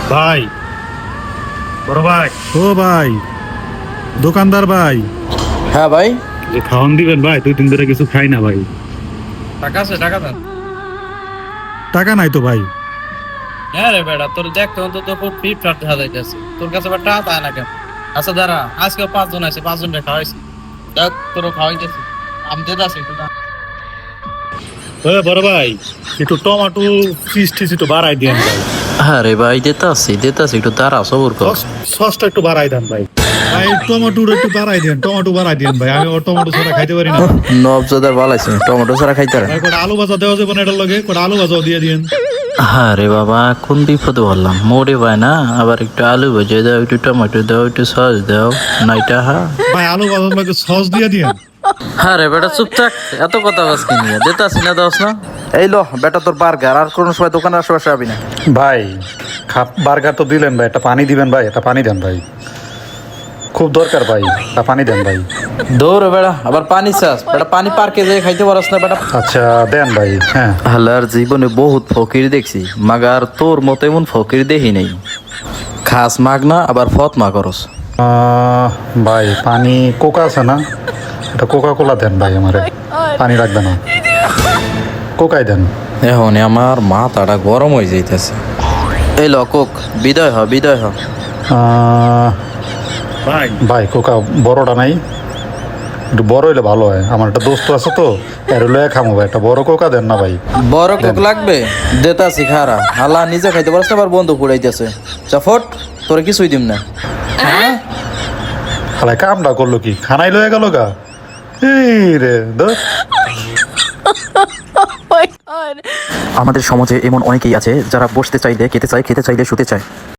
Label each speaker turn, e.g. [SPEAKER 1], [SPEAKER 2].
[SPEAKER 1] ভাই, বড় ভাই,
[SPEAKER 2] ও ভাই, দোকানদার ভাই,
[SPEAKER 3] হ্যাঁ ভাই।
[SPEAKER 1] যে খাওয়ান দিবেন ভাই, 2-3 ধরে কিছু খাই না ভাই।
[SPEAKER 3] টাকা আছে, টাকা দেন।
[SPEAKER 2] টাকা নাই তো ভাই।
[SPEAKER 3] হ্যাঁ রে বেটা, তোর দেখ তখন তো খুব ফিট ফাট দেখা যাইতেছে, তোর কাছে আবার টাকা পায় না কেন? আচ্ছা দাঁড়া, আজকে 5 জন আছে, 5 জনকে খাওয়াইছি, দেখ তোরও খাওয়াইতেছি, আমি দিতে আছি একটু দাঁড়া।
[SPEAKER 1] বড় ভাই, একটু টমেটো চিজ টিজ একটু বাড়াই দিয়েন ভাই।
[SPEAKER 4] আরে ভাই দিতাছি একটু দাঁড়া সবর কর।
[SPEAKER 1] সসটা একটু বাড়াই দেন ভাই।
[SPEAKER 2] ভাই টমেটোর একটু বাড়াই দেন, টমেটো বাড়াই দেন ভাই। আমি ওর টমেটো ছাড়া খাইতে পারি না।
[SPEAKER 4] নবজাদার বালাইছে টমেটো ছাড়া খাইতে পারে।
[SPEAKER 2] ভাই কটা আলু ভাজা দেওয়া যাবে না এটার লগে? কটা আলু ভাজাও দিয়ে দিয়েন।
[SPEAKER 4] আরে বাবা কোন বিপদে বললাম, মোড়ে ভাই না, আবার একটু আলু ভেজে দাও, একটু টমেটো দাও, একটু সস দাও, নাইটা হা।
[SPEAKER 2] ভাই আলু ভাজার লগে সস দিয়ে দিয়েন।
[SPEAKER 4] আরে বেটা চুপ থাক, এত কথা বাজকে নিয়ে দিতাছি না, দাস না। এই লো বেটা তোর বার্গার, আর কোনো সময় দোকানের আশেপাশে আবি না।
[SPEAKER 2] ভাই বার্গার তো দিলেন ভাই, একটা পানি দিবেন ভাই, একটা পানি দেন ভাই, খুব দরকার ভাই, একটা পানি দেন ভাই।
[SPEAKER 4] দৌড় বেড়া, আবার পানি চাস বেটা, পানি পার্কে যেয়ে খাইতে পারস না বেটা।
[SPEAKER 2] আচ্ছা দেন ভাই। হ্যাঁ
[SPEAKER 4] হালার জীবনে বহুত ফকির দেখছি, মাগার তোর মতো এমন ফকির দেখি নেই। খাস মাগ না, আবার ফত মা করস।
[SPEAKER 2] ভাই পানি কোকা আছে না, এটা কোকা কোলা দেন ভাই, আমারে পানি রাখবে না, কোকাই দেন।
[SPEAKER 4] এখন আমার মাথাটা গরম হয়ে যাইতেছে। এই লকক বিদায় হ, বিদায় হ।
[SPEAKER 1] ভাই,
[SPEAKER 2] ভাই কোকা বড়টা নাই, একটু বড় হইলে ভালো হয়, আমার একটা দোস্ত আছে তো, এর লয়ে খামো ভাই, একটা বড় কোকা দেন না ভাই।
[SPEAKER 4] বড় কোক লাগবে, দেতাছি খারা। হালা নিজে খাইতে পারছ না, আবার বন্ধু পুড়াইতেছে। চাফট তোরে কিছুই দিম না।
[SPEAKER 2] খালাই কামটা করলো কি, খানাই লয়ে গেল গা। এই রে দোস্ত।
[SPEAKER 5] আমাদের সমাজে এমন অনেকেই আছে যারা বসতে চাইলে খেতে চায়, খেতে চাইলে শুতে চায়।